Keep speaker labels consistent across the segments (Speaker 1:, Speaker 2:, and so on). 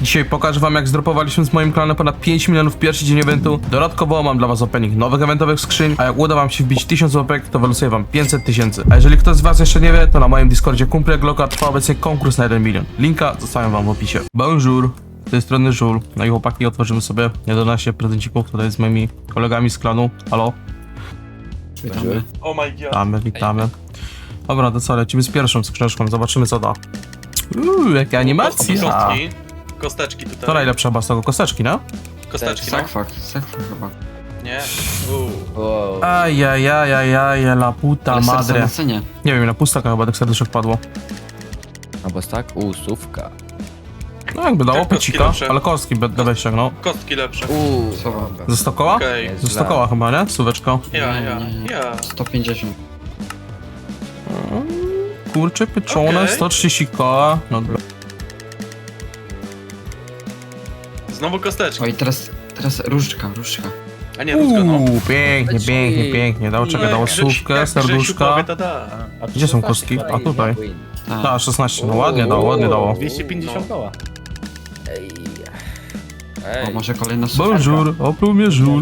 Speaker 1: Dzisiaj pokażę wam, jak zdropowaliśmy z moim klanem ponad 5 milionów w pierwszy dzień eventu. Dodatkowo mam dla was opening nowych eventowych skrzyń, a jak uda wam się wbić 1000 łapek, to wylosuję wam 500 tysięcy. A jeżeli ktoś z was jeszcze nie wie, to na moim Discordzie Kumple Glocka trwa obecnie konkurs na 1 milion. Linka zostawiam wam w opisie. Bonjour, z tej strony Żul. No i chłopaki, otworzymy sobie 11 prezencików tutaj z moimi kolegami z klanu. Halo?
Speaker 2: Witamy.
Speaker 3: Oh my god.
Speaker 1: Witamy. Dobra, to co, lecimy z pierwszą skrzyneczką, zobaczymy co da. Jaka animacja!
Speaker 3: Kostki. Kosteczki tutaj.
Speaker 1: To najlepsza chyba z tego, kosteczki, no?
Speaker 3: Kosteczki, no.
Speaker 2: Sakfak chyba.
Speaker 3: Nie.
Speaker 4: Wow.
Speaker 1: Ajajajajaj, la puta
Speaker 2: Ale serce
Speaker 1: madre.
Speaker 2: na cenie.
Speaker 1: Nie wiem, na pustaka chyba tak serduszek padło.
Speaker 4: Albo tak? Słówka.
Speaker 1: No jakby dało
Speaker 3: Tak, kostki
Speaker 1: pecika,
Speaker 3: lepsze.
Speaker 1: ale kostki będę ściągnął.
Speaker 3: Kostki lepsze.
Speaker 2: Co wam?
Speaker 1: Ze 100 koła?
Speaker 3: Okej.
Speaker 4: Jest
Speaker 1: Ze 100
Speaker 4: źle.
Speaker 1: koła chyba, nie? Suweczko.
Speaker 3: Ja.
Speaker 2: 150.
Speaker 1: Kurczę, pieczone,
Speaker 3: Okej.
Speaker 1: 130 koła. No dobra.
Speaker 3: Znowu kosteczki.
Speaker 2: Oj, teraz różdżka.
Speaker 3: A nie, rózga, no.
Speaker 1: Pięknie, pięknie. Dało czekaj, dało słówkę, serduszka. Gdzie są kostki? A tutaj.
Speaker 2: Tak.
Speaker 1: Ta, 16, no ładnie dało.
Speaker 5: 250 koła.
Speaker 2: O, może kolejna słówka.
Speaker 1: Bonjour, opluł mnie żul.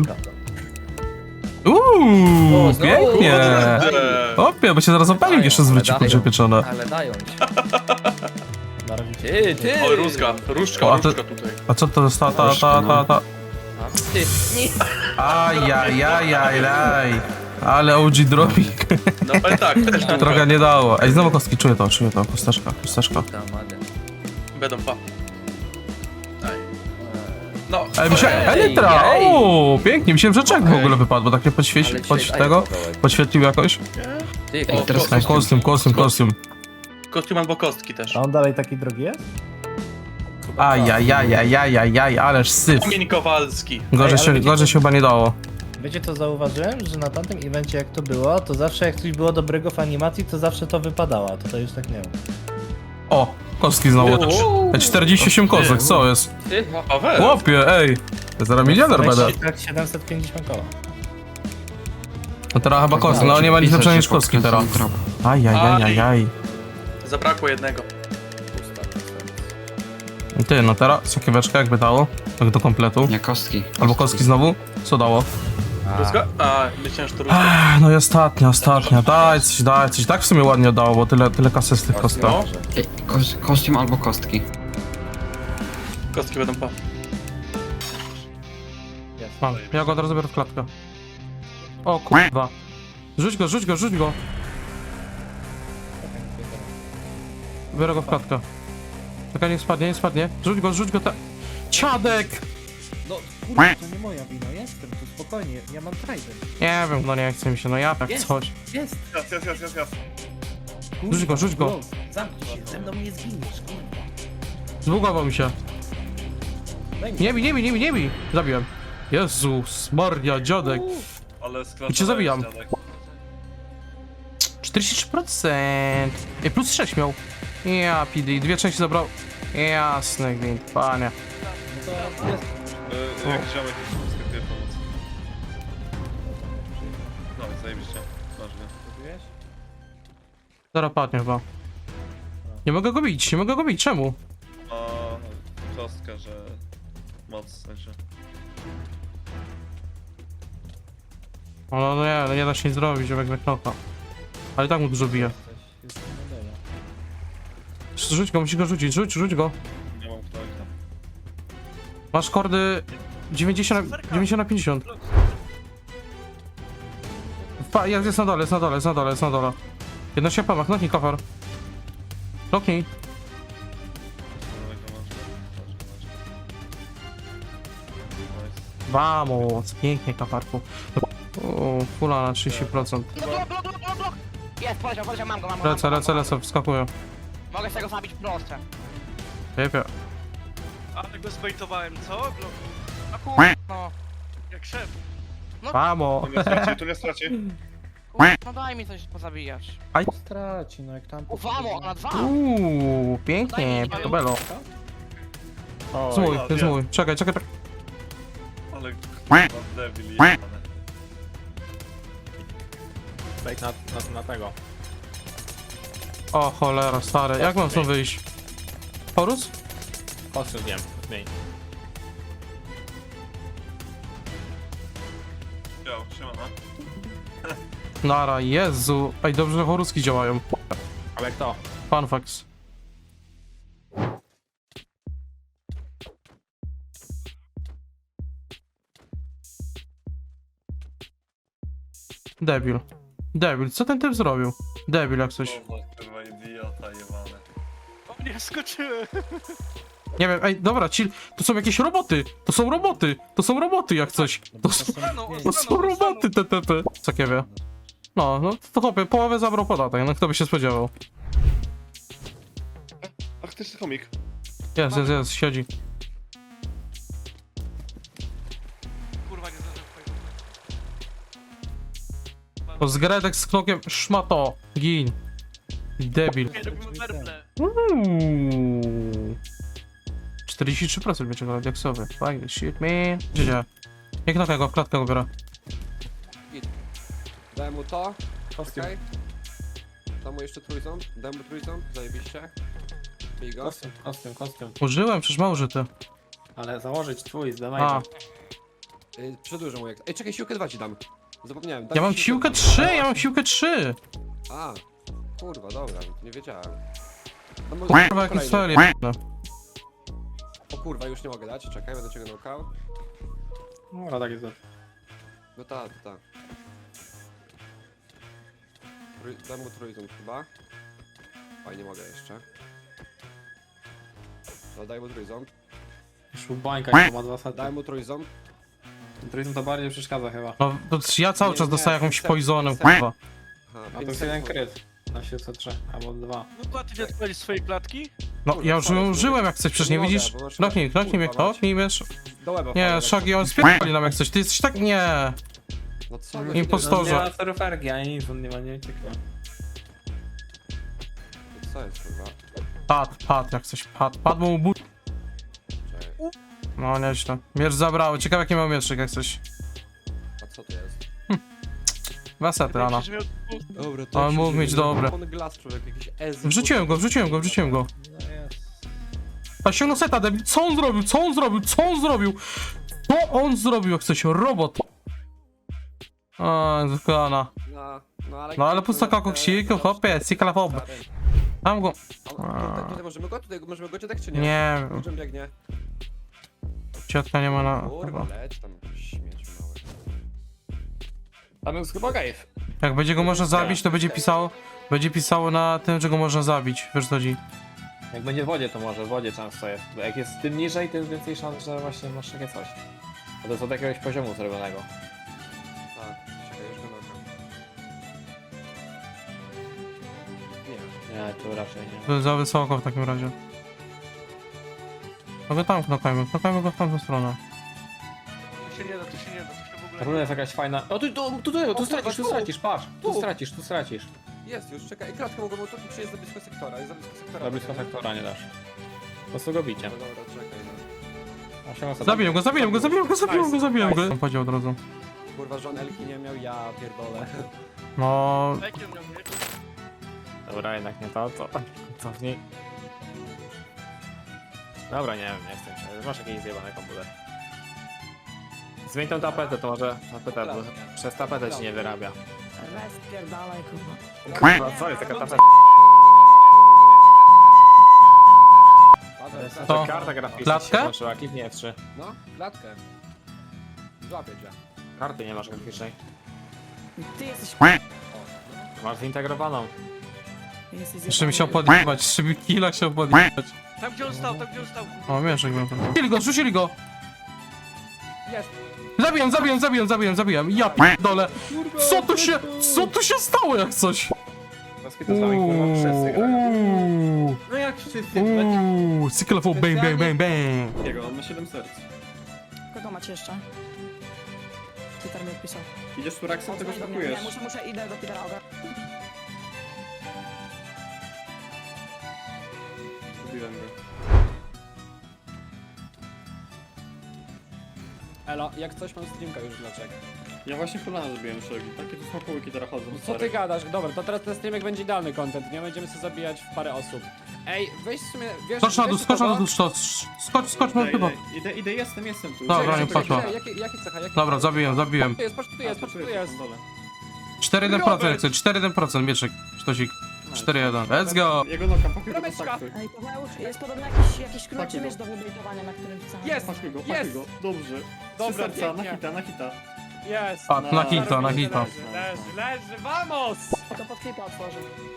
Speaker 4: znowu.
Speaker 1: Pięknie.
Speaker 3: Kurde.
Speaker 1: Opie, bo się zaraz opalił jeszcze zwróci
Speaker 4: dają.
Speaker 1: kurczę pieczone.
Speaker 4: Ale dają ci.
Speaker 5: Na razie
Speaker 4: Ty!
Speaker 3: Oj, rózga. Różdżka,
Speaker 1: O, a ty-
Speaker 3: różdżka tutaj.
Speaker 1: A co to jest ta?
Speaker 4: A, ty, nie.
Speaker 1: Ajajajajaj. Ale OG dropik.
Speaker 3: No ale tak, też
Speaker 1: Trochę
Speaker 3: trochę.
Speaker 1: nie dało. Ej, znowu kostki, czuję to, kosteczka.
Speaker 3: Będą pa. Daj. No.
Speaker 1: Ej, mi się... Elytra! O, pięknie, myślałem, że czek w ogóle wypadł, bo tak nie podświetlił jakoś.
Speaker 4: Ty,
Speaker 3: O,
Speaker 2: teraz
Speaker 1: Ej, kostium.
Speaker 3: Kostium albo kostki też.
Speaker 5: A on dalej taki drogi jest?
Speaker 1: Ajajajajajajaj, ależ syf.
Speaker 3: Kamień Kowalski.
Speaker 1: Gorzej się chyba nie dało.
Speaker 5: Wiecie co zauważyłem? Że na tamtym evencie jak to było, to zawsze jak coś było dobrego w animacji, to zawsze to wypadało, a tutaj już tak nie ma.
Speaker 1: O, kostki znowu. Ej, 48 kostek, co jest?
Speaker 4: ty.
Speaker 3: Paweł.
Speaker 1: Chłopie, ej. To zaraz milioner będę.
Speaker 5: Tak 750 koła.
Speaker 1: No teraz chyba kostki, no nie ma nic lepszego niż kostki teraz. Ajajajajaj.
Speaker 3: Zabrakło jednego.
Speaker 1: Ty, no teraz sokieweczka jakby dało, tak do kompletu.
Speaker 2: Nie, kostki.
Speaker 1: Albo kostki znowu? Co dało?
Speaker 3: Rózga? A, myślałem, że to rózga.
Speaker 1: No i ostatnia. Daj coś. Tak w sumie ładnie dało, bo tyle kasy z tych kostek.
Speaker 3: No.
Speaker 2: Ej, kostium albo kostki.
Speaker 3: Kostki będą pa.
Speaker 1: Mam, ja go od razu biorę w klatkę. O kurwa. Rzuć go. Biorę go w klatkę. Czekaj, nie spadnie. Rzuć go Ciadek!
Speaker 5: No kurwa, to nie moja wina, jestem tu, spokojnie, ja mam trident.
Speaker 1: Nie wiem, no nie chce mi się, no ja tak
Speaker 5: Jest.
Speaker 1: coś.
Speaker 5: Jest!
Speaker 1: Rzuć go.
Speaker 5: Zamknij się, ze mną nie zginiesz, kurwa.
Speaker 1: Zbugował mi się.
Speaker 5: Daj mi.
Speaker 1: Nie bij. Zabiłem. Jezus, Maria, dziadek. I cię zabijam. 43%. Ej, plus 6 miał. Ja, PD, 2 części zabrał. Jasny gwint, panie.
Speaker 6: Jak ziomek już wyskakuje pomoc. No, zajebiście. Ważne.
Speaker 1: Zaraz padnie chyba. Nie mogę go bić, czemu?
Speaker 6: A kostka, że moc w sensie.
Speaker 1: No nie da się nic zrobić, żeby jak knoka. Ale i tak mu dużo bije. Rzuć go, musisz go rzucić, rzuć go.
Speaker 6: Nie mam kto tam.
Speaker 1: Masz kordy 90 na 50. Jest na dole. Jedno się pama, knoknij kafar. Knoknij.
Speaker 6: Dawaj go masz. Nice.
Speaker 1: Vamos, pięknie kafarku. O, fula na 30%.
Speaker 7: Blok! Jest, poleciał, mam go.
Speaker 1: Lecę, wskakuję.
Speaker 7: Mogę z tego zabić proste.
Speaker 1: Jepie.
Speaker 8: Ale go zbejtowałem, co?
Speaker 7: No kurwa, no.
Speaker 8: Jak szef.
Speaker 1: Vamos.
Speaker 6: Tu nie straci.
Speaker 7: No daj mi coś pozabijać.
Speaker 5: Straci, no jak tam...
Speaker 7: Ufamo, na 2!
Speaker 1: Pięknie, to belo. To jest mój. Czekaj.
Speaker 6: Ale kurwa, debil jebane.
Speaker 5: Wejdź na tego.
Speaker 1: O cholera, stary, jak mam stąd wyjść? Horus?
Speaker 5: Kościół wiem.
Speaker 9: Main.
Speaker 6: Yo, siemano.
Speaker 1: Nara, Jezu. Ej, dobrze, że choruski działają.
Speaker 9: Ale kto?
Speaker 1: Fun facts. Debil. Debil, co ten typ zrobił? Debil jak coś.
Speaker 6: Kurwa idiota jebany.
Speaker 8: O nie, skoczyłem.
Speaker 1: Nie wiem, ej, dobra, chill. To są jakieś roboty. To są roboty. To są roboty jak coś. To są roboty TTP. Cakiewie. No, to chłopie, połowę zabrał podatek, no kto by się spodziewał.
Speaker 6: Ach, też komik.
Speaker 1: Jest, siedzi.
Speaker 8: Kurwa, nie zdążyłem twojego.
Speaker 1: To z Gredek z knokiem szmato. Gin. Debil.
Speaker 8: Nie, robimy werble.
Speaker 1: 43% będzie go deksowy. Fuck this shit, man. Gdzie? Jak knoka go w klatkę go biorę.
Speaker 10: Dałem mu to, okej. Dam mu jeszcze trójząb, dam mu trójząb, zajebiście. Bij go.
Speaker 9: Kostium.
Speaker 1: Użyłem, przecież ma użyty.
Speaker 9: Ale założyć twój,
Speaker 1: A,
Speaker 9: zdawaj.
Speaker 10: Przedłużę mu jak... Ej, czekaj, siłkę 2 ci dam. Zapomniałem. dam
Speaker 1: ja mam
Speaker 10: ci
Speaker 1: siłkę 3, ja mam siłkę 3.
Speaker 10: A, kurwa, dobra, nie wiedziałem. Dam mu
Speaker 1: Kurwa, jaki
Speaker 10: kolejny.
Speaker 1: cel jest.
Speaker 10: O kurwa, już nie mogę dać, czekaj, będę cię nokał.
Speaker 9: No, tak jest.
Speaker 10: No ta. Dam mu trójząb chyba. Oj, nie mogę jeszcze. No daj mu trójząb.
Speaker 9: Już bańka, ma 2 sety.
Speaker 10: Daj mu trójząb.
Speaker 9: Trójząb to bardziej przeszkadza chyba.
Speaker 1: No, to ja cały
Speaker 10: Nie,
Speaker 1: czas
Speaker 10: nie,
Speaker 1: dostaję jakąś
Speaker 10: set,
Speaker 1: poisonem,
Speaker 10: set.
Speaker 1: kurwa.
Speaker 10: Aha,
Speaker 9: A to
Speaker 10: pięć
Speaker 9: jest jeden
Speaker 10: sekund.
Speaker 9: kryt. Na 703, albo 2.
Speaker 8: No to ty nie odpalisz swojej klatki?
Speaker 1: No, ja już ją użyłem jak coś, przecież nie
Speaker 10: mogę,
Speaker 1: widzisz?
Speaker 10: bo masz-
Speaker 1: Knoknij mnie,
Speaker 10: kurwa, mać.
Speaker 1: knoknij, wiesz?
Speaker 10: Do łeba
Speaker 1: Nie,
Speaker 10: wpadł,
Speaker 1: Shaggy, on spierdoli nam jak coś, ty jesteś tak... Nie.
Speaker 10: No co?
Speaker 1: Impostorze.
Speaker 9: Nie ma steroferki, ani nic, on nie ma, nie uciekło.
Speaker 10: Co jest kurwa?
Speaker 1: Pad jak coś, pad mu but...
Speaker 10: Czekaj.
Speaker 1: No, nieźle. Miecz zabrały, ciekawe jaki miał mieczyk jak coś.
Speaker 10: A co to jest?
Speaker 1: 2 sety, Ana.
Speaker 8: Przecież miał...
Speaker 10: Dobra,
Speaker 1: Ale mógł mieć dobre.
Speaker 10: On glass człowiek, jakiś ez.
Speaker 1: Wrzuciłem go.
Speaker 5: No jest.
Speaker 1: A ściągnął seta, debil. Co on zrobił? Co on zrobił jak coś? Robot. A, zwykłana. No ale pustaka koksiku, hopie, cyklafob. Mam go.
Speaker 10: Tutaj możemy go tutaj czy nie?
Speaker 1: Nie,
Speaker 10: Czym biegnie?
Speaker 1: ciotka nie ma na...
Speaker 10: Kurwa, leć tam śmieć mały.
Speaker 9: Tam jest chyba gejf.
Speaker 1: Jak będzie go można zabić, to będzie pisało na tym, że go można zabić. Wiesz co chodzi?
Speaker 9: Jak będzie w wodzie, to może w wodzie często jest. Bo jak jest tym niżej, tym więcej szans, że właśnie masz takie coś. A to jest od jakiegoś poziomu zrobionego.
Speaker 10: Tak, czekaj, już go nokam. Nie.
Speaker 9: Nie, tu raczej nie.
Speaker 1: To jest za wysoko w takim razie. No go tam knokajmy go w tamtą stronę.
Speaker 8: To się nie da, to się w ogóle...
Speaker 9: Ta runa jest jakaś fajna. O, tu stracisz, patrz. Tu stracisz.
Speaker 10: Jest już, czekaj, klatkę mogę, bo to tu jest za blisko sektora, jest za blisko sektora.
Speaker 9: Za blisko sektora nie dasz. Po prostu go bicie.
Speaker 10: No dobra, czekaj, no.
Speaker 1: Zabiłem go. On powiedział od razu.
Speaker 10: Kurwa, żon Elki nie miał, ja pierdolę.
Speaker 1: No,
Speaker 8: Jaki on miał miecz?
Speaker 9: Dobra, jednak nie to, cofnij. Dobra, nie wiem, nie jestem się. Masz jakiś zjebany komputer. Zmień tą tapetę, to może tapetę, bo przez tapetę ci nie wyrabia.
Speaker 7: Spierdalaj, kurwa.
Speaker 9: Kurwa, co jest taka tapeta?
Speaker 10: Paweł,
Speaker 1: To-
Speaker 9: To karta graficzna
Speaker 1: Klatkę?
Speaker 9: się włączyła, kliknij F3.
Speaker 10: No, klatkę. Złapię cię.
Speaker 9: Karty nie masz graficznej.
Speaker 7: Ty jesteś...
Speaker 9: Masz zintegrowaną.
Speaker 1: jeszcze mi chciał podjebać, jeszcze mi killa chciał podjebać.
Speaker 8: Tam gdzie on stał,
Speaker 1: O, mieszek był. Rzucili go!
Speaker 10: Jest.
Speaker 1: Zabiłem, ja p***dolę. Co tu się stało jak coś?
Speaker 9: Paski to sami kurwa wszyscy grają.
Speaker 6: No jak wszyscy?
Speaker 1: Cyklofon, bang, bang, bang, bang.
Speaker 6: Jego, on ma 7 serc.
Speaker 7: Kogo macie jeszcze? Peter mi odpisał.
Speaker 6: Idziesz tu Raxem, tego smakujesz.
Speaker 7: Muszę, idę do Petera Oga.
Speaker 6: Kupiłem go.
Speaker 10: Elo, jak coś mam streamka już dlaczego?
Speaker 6: Ja właśnie kolana zrobiłem szeregi. Takie tu smakołyki teraz chodzą.
Speaker 10: Co ty gadasz? Dobra, to teraz ten streamek będzie idealny content, nie? Będziemy sobie zabijać w parę osób. Ej, weź w sumie, wiesz...
Speaker 1: Skocz na dół,
Speaker 10: wiesz
Speaker 1: skocz na
Speaker 10: kogo?
Speaker 1: dół, skocz, mam chyba.
Speaker 6: Idę, jestem tu.
Speaker 1: Dobra, nie
Speaker 10: Czekaj,
Speaker 1: poszło.
Speaker 10: Jaki cecha, jaki...
Speaker 1: Dobra, zabiłem.
Speaker 10: Tu jest, patrz, tu jest, patrz, tu jest.
Speaker 1: 4-1%, chcę, 4-1%, mieczek, sztosik. 4-1, let's go!
Speaker 6: Jego noga, pakuj go,
Speaker 10: Rameczka.
Speaker 6: pakuj.
Speaker 7: Ej, Paweł, jest podobno jakiś krótszy miecz do wybejtowania, na którym chcę.
Speaker 10: Jest!
Speaker 6: Pakuj go,
Speaker 10: Jest!
Speaker 6: pakuj go. Dobrze.
Speaker 10: Dobra,
Speaker 6: Trzy serca,
Speaker 10: pięknie.
Speaker 6: na hita.
Speaker 9: Jest!
Speaker 1: A, na hita, na hita.
Speaker 9: Leży, vamos!
Speaker 7: To pod klipa otworzy.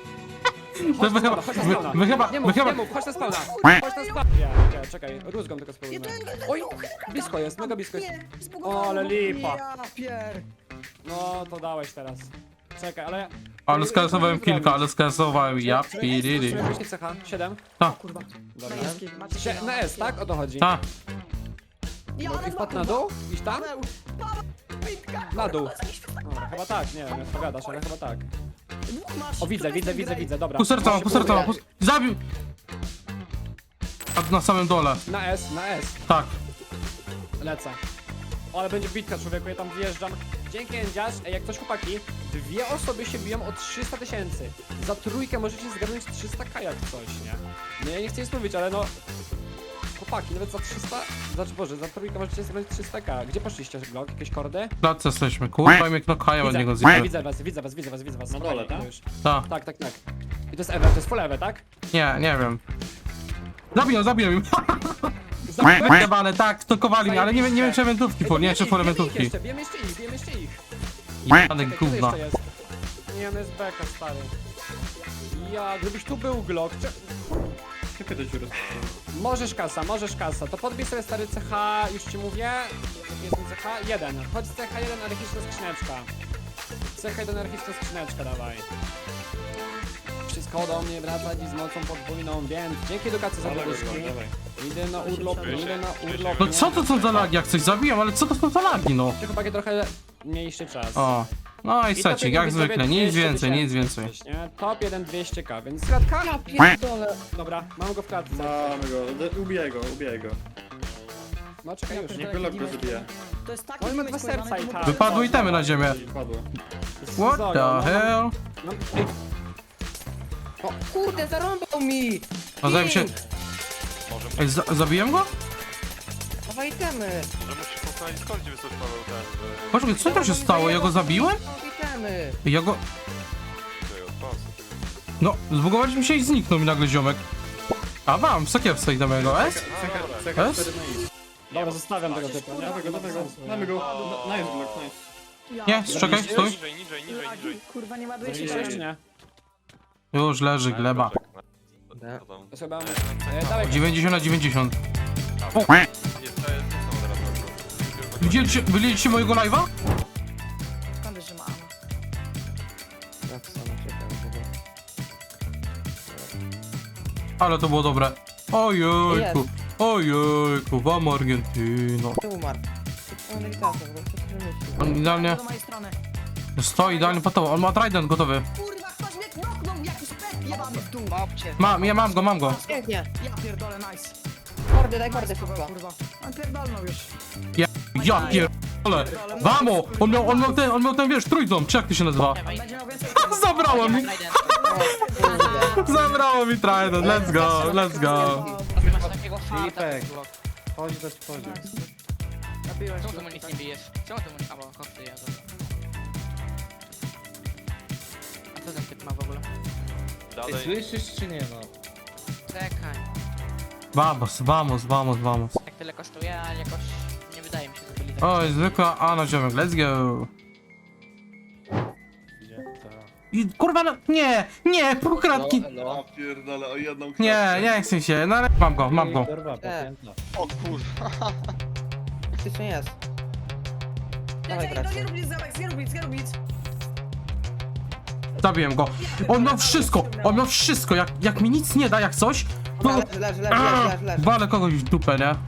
Speaker 1: My chyba...
Speaker 10: Chodź na spawna, chodź na spawna. Nie, czekaj, rózgą tylko spróbujmy. Oj, blisko jest, mega blisko jest.
Speaker 9: O, ale lipa.
Speaker 7: Ja pier...
Speaker 10: No, to dałeś teraz. Czekaj, ale...
Speaker 1: Ale skasowałem kilka, ale skasowałem, ja piriri.
Speaker 10: Właśnie cecha, 7.
Speaker 7: Kurwa.
Speaker 10: Dobra.
Speaker 7: Niebieski, macie się
Speaker 10: Na S, tak? O to chodzi.
Speaker 1: Ta,
Speaker 7: Ja,
Speaker 10: I wpadł na dół? Iść tam?
Speaker 7: Paweł,
Speaker 10: Na dół. Dobra, chyba tak, nie wiem, jak pogadasz, ale chyba tak.
Speaker 7: masz.
Speaker 10: O, widzę, dobra.
Speaker 1: pół serca, zabił! A na samym dole,
Speaker 10: Na S,
Speaker 1: tak.
Speaker 10: lecę. O, ale będzie bitka, człowieku, ja tam wjeżdżam. Dzięki, Endziarz. Ej, jak coś chłopaki, 2 osoby się biją o 300 000. Za trójkę możecie zgarnąć 300k jak coś, nie? No ja nie chcę nic mówić, ale no... Chłopaki, nawet za 300... Znaczy, Boże, za trójkę możecie zgarnąć 300k. Gdzie poszliście, Glock? Jakieś kordy?
Speaker 1: W klatce jesteśmy, kurwa, mnie knokają od niego zjebę.
Speaker 10: widzę was.
Speaker 6: Na dole, tak?
Speaker 10: Już.
Speaker 1: Ta,
Speaker 10: Tak. I to jest Ewe, to jest full Ewe, tak?
Speaker 1: nie wiem. Zabiję im. Jebane, tak, knokowali mnie, ale nie wiem czy eventówki, nie wiem czy full eventówki.
Speaker 10: Bijemy jeszcze ich.
Speaker 1: Jebane
Speaker 10: Czekaj, kto
Speaker 1: gówna.
Speaker 10: jeszcze jest? Nie, on jest beka, stary. Ja, gdybyś tu był, Glock,
Speaker 6: Czekaj do dziury.
Speaker 10: Możesz kasa, to podbij sobie stary CH, już ci mówię. Jaki jest ten CH? 1. Chodź z CH 1, anarchiczna skrzyneczka. CH 1, anarchiczna skrzyneczka, dawaj. Wszystko do mnie wraca dziś z mocą podwójną, więc dzięki edukacji za poduszki. Idę na urlop.
Speaker 1: No co to są za lagi, jak coś zabijam, ale co to są za lagi, no?
Speaker 10: Tylko takie trochę mniejszy czas.
Speaker 1: O, no i
Speaker 10: top
Speaker 1: secik,
Speaker 10: 1
Speaker 1: jak
Speaker 10: widzowie
Speaker 1: zwykle, nic
Speaker 10: 200
Speaker 1: więcej, nic
Speaker 10: 000,
Speaker 1: więcej.
Speaker 10: nie? Top 1 200k, więc kratka? Ja pierdolę. Dobra, mam go w klatce.
Speaker 6: Mamy go, ubiję go.
Speaker 10: No czekaj już.
Speaker 6: Niech Glock go zabije.
Speaker 7: To jest taki
Speaker 10: On ma
Speaker 7: damage
Speaker 10: dwa serca
Speaker 7: pojebany,
Speaker 10: i
Speaker 7: to
Speaker 10: tak.
Speaker 7: mu-
Speaker 1: Wypadły itemy na ziemię.
Speaker 6: Padło.
Speaker 1: What the hell?
Speaker 10: No, o kurde, zarąbał mi!
Speaker 1: No zajmę się... Ej, zabiłem go?
Speaker 10: Dawaj itemy!
Speaker 1: Poczekaj, co tam się stało? Ja go zabiłem?
Speaker 10: Itemy!
Speaker 1: Ja go... No, zbugowaliśmy się i zniknął mi nagle ziomek. A mam, w sakiewce i mojego, S?
Speaker 6: Cecha
Speaker 1: S?
Speaker 6: 4 na i.
Speaker 10: Dobra, zostawiam tego typu, nie?
Speaker 6: Dawaj go. Mamy go. Nice Glock, nice.
Speaker 1: Nie, czekaj, stój.
Speaker 7: Lagi, kurwa, nie ładuje się
Speaker 10: Jeszcze
Speaker 7: się.
Speaker 10: nie.
Speaker 1: Już leży gleba.
Speaker 10: To sobie dawaj
Speaker 1: 90 na 90. O. Widzieliście mojego live'a?
Speaker 7: Skąd wiesz, że ma ammo?
Speaker 1: Ale to było dobre. Ojejku, ojejku, wam Argentyno. On idealnie
Speaker 7: Do mojej strony.
Speaker 1: stoi, idealnie po to. On ma trident gotowy.
Speaker 7: Kurwa, ktoś mnie knoknął, jakiś pet jebany w dół.
Speaker 1: Ja mam go.
Speaker 7: Ja pierdolę, nice.
Speaker 10: daj kordy,
Speaker 7: Kurwa. On pierdolnął już.
Speaker 1: Ja pierdolę. Vamo! On miał ten, wiesz, trójząb, czy jak to się nazywa?
Speaker 7: Będzie miał więcej.
Speaker 1: Zabrało mi! Zabrało mi trident, let's go.
Speaker 5: Filipek, chodź do spodu.
Speaker 7: Nabiłeś
Speaker 8: Czemu
Speaker 7: go.
Speaker 8: ty mu nic nie bijesz? Czemu ty mu nic... A, bo kosty ja A co ten typ ma w ogóle?
Speaker 5: Ty słyszysz czy nie no?
Speaker 8: Czekaj.
Speaker 1: Vamos.
Speaker 8: Jak tyle kosztuje, ale jakoś nie wydaje mi się, że byli tak.
Speaker 1: Oj, zwykła A na ziomek, let's go. I kurwa, no, nie, półkratki.
Speaker 6: No pierdolę, o jedną
Speaker 1: Nie chcę się, no ale mam go.
Speaker 5: Kurwa, pocięta.
Speaker 6: O kurwa.
Speaker 10: Faktycznie jest. Dawaj,
Speaker 7: No nie rób nic, Zamek, nie rób nic.
Speaker 1: Zabiłem go. On miał wszystko, jak mi nic nie da, jak coś, to...
Speaker 10: Leży.
Speaker 1: Walę kogoś w dupę, nie?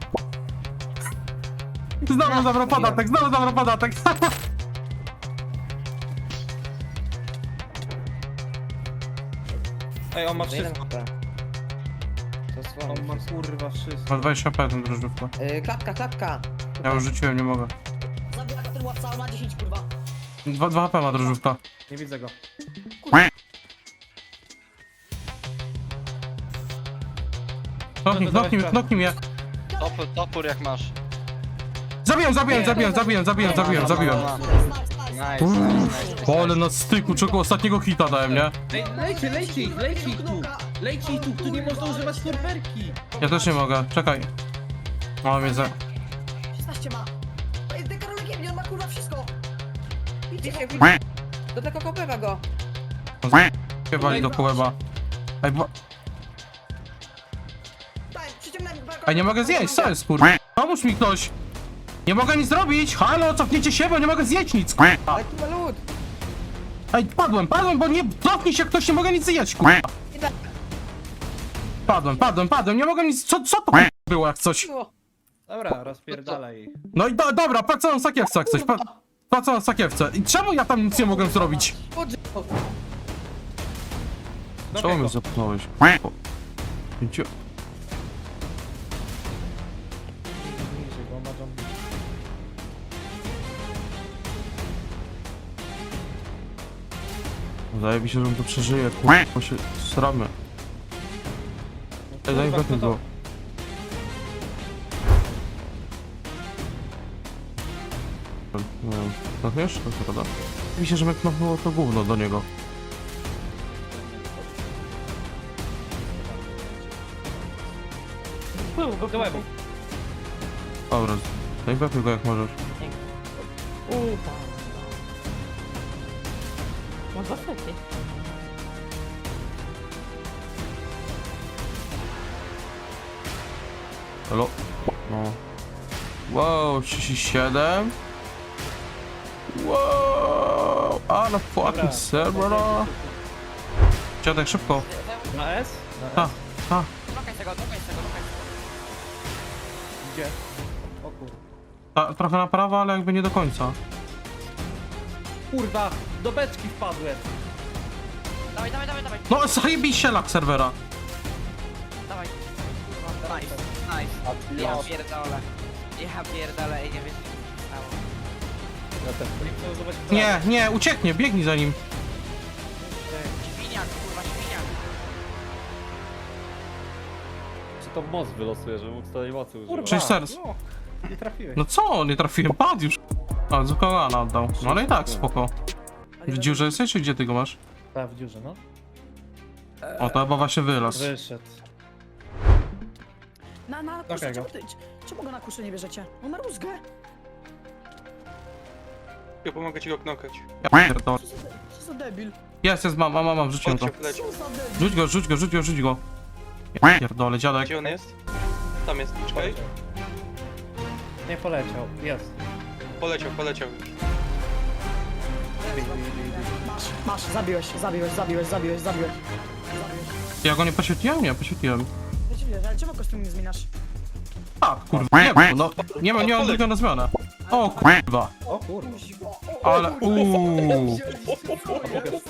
Speaker 1: Znowu zabrał podatek.
Speaker 6: Ej, on ma wszystko.
Speaker 5: On ma kurwa wszystko.
Speaker 1: Ma 20 HP ten drożdżówka.
Speaker 10: Klatka.
Speaker 1: Ja już rzuciłem, nie mogę.
Speaker 7: Zabija go ten łapca, on ma 10, kurwa.
Speaker 1: 2 HP ma drożdżówka.
Speaker 5: Nie widzę go.
Speaker 1: Knoknij mnie.
Speaker 6: Topór jak masz.
Speaker 1: Zabiłem. Ale na styku, czego ostatniego hita dałem, nie?
Speaker 5: Ej, lejcie ich tu nie można używać snajperki.
Speaker 1: Ja też nie mogę, czekaj. O, wiedzę.
Speaker 7: 16 ma. To jest dekarologiem, nie on ma kurwa wszystko. Widzicie, do tego kopywa go.
Speaker 1: Wali do kołeba. Ej,
Speaker 7: Daj, przyciągnę go.
Speaker 1: Ej, nie mogę zjeść, co jest, kurwa? Pomóż mi ktoś. Nie mogę nic zrobić. Halo, cofnijcie się, bo nie mogę zjeść nic, kurwa.
Speaker 7: Taki malut.
Speaker 1: Ej, padłem, bo nie... Cofnij się ktoś, nie mogę nic zjeść, kurwa. Padłem, nie mogę nic... Co to było jak coś?
Speaker 5: Dobra, rozpierdalaj ich.
Speaker 1: No i dobra, patrz co mam w sakiewce jak coś, patrz co mam w sakiewce. I czemu ja tam nic nie mogę zrobić? Czemu mnie zepchnąłeś? Idźcie.
Speaker 5: Niżej, bo ma zombie.
Speaker 1: Wydaje mi się, że on to przeżyje, kurwa, bo się sramy. Ej, daj wepnij go. Nie wiem, knokniesz? To prawda? Wydaje mi się, że mnie knoknęło to gówno do niego.
Speaker 5: Do łebu.
Speaker 1: Dobra, daj wepnij go jak możesz.
Speaker 8: Może lepiej.
Speaker 1: Halo? No. Wow, 37. Wow, ale fucking serwera. Dziadek, szybko.
Speaker 5: Na S? Na
Speaker 1: Ha,
Speaker 5: S.
Speaker 1: ha.
Speaker 8: Dokaj tego.
Speaker 5: Gdzie? O kurwa.
Speaker 1: Trochę na prawo, ale jakby nie do końca.
Speaker 5: Kurwa, do beczki wpadłem.
Speaker 8: Dawaj.
Speaker 1: No, zajebiście lak serwera.
Speaker 8: Dawaj. Kurwa, nice. Ja pierdolę i nie wiem co się stało.
Speaker 5: Ja też. Nie chcę używać prawa.
Speaker 1: Nie, ucieknie, biegnij za nim.
Speaker 8: Świniak, kurwa, świniak.
Speaker 6: Czy to moc wylosuje, żeby mógł tej mocy używać?
Speaker 5: Kurwa.
Speaker 1: Cześć, serc.
Speaker 5: No, nie trafiłeś.
Speaker 1: No co, nie trafiłem, padł już. A, Zukałana oddał. No ale i tak, spoko. W dziurze jesteś, czy gdzie ty go masz?
Speaker 5: Tak, w dziurze, no.
Speaker 1: O, to chyba właśnie wylazł.
Speaker 5: Wyszedł.
Speaker 7: Na kuszę,
Speaker 5: Okej, go.
Speaker 7: czemu go na kuszę nie bierzecie? On ma rózgę.
Speaker 3: Ja pomogę ci go knokać.
Speaker 1: Ja pierdolę.
Speaker 7: Co za debil.
Speaker 1: Jest, mam, wrzuciłem to.
Speaker 3: Leciał.
Speaker 7: Co za debil.
Speaker 1: Rzuć go. Ja pierdolę, dziadek.
Speaker 3: Gdzie on jest? Tam jest, czekaj.
Speaker 5: Nie poleciał. Jest.
Speaker 3: Poleciał.
Speaker 7: Masz, zabiłeś.
Speaker 1: Ja go nie poświetliłem? Nie, poświetliłem.
Speaker 7: Ale czemu kostium nie zmieniasz?
Speaker 1: A, kurwa, nie, no. Nie mam drugiego na zmianę. O, kurwa.
Speaker 5: O kurwa.
Speaker 1: Ale,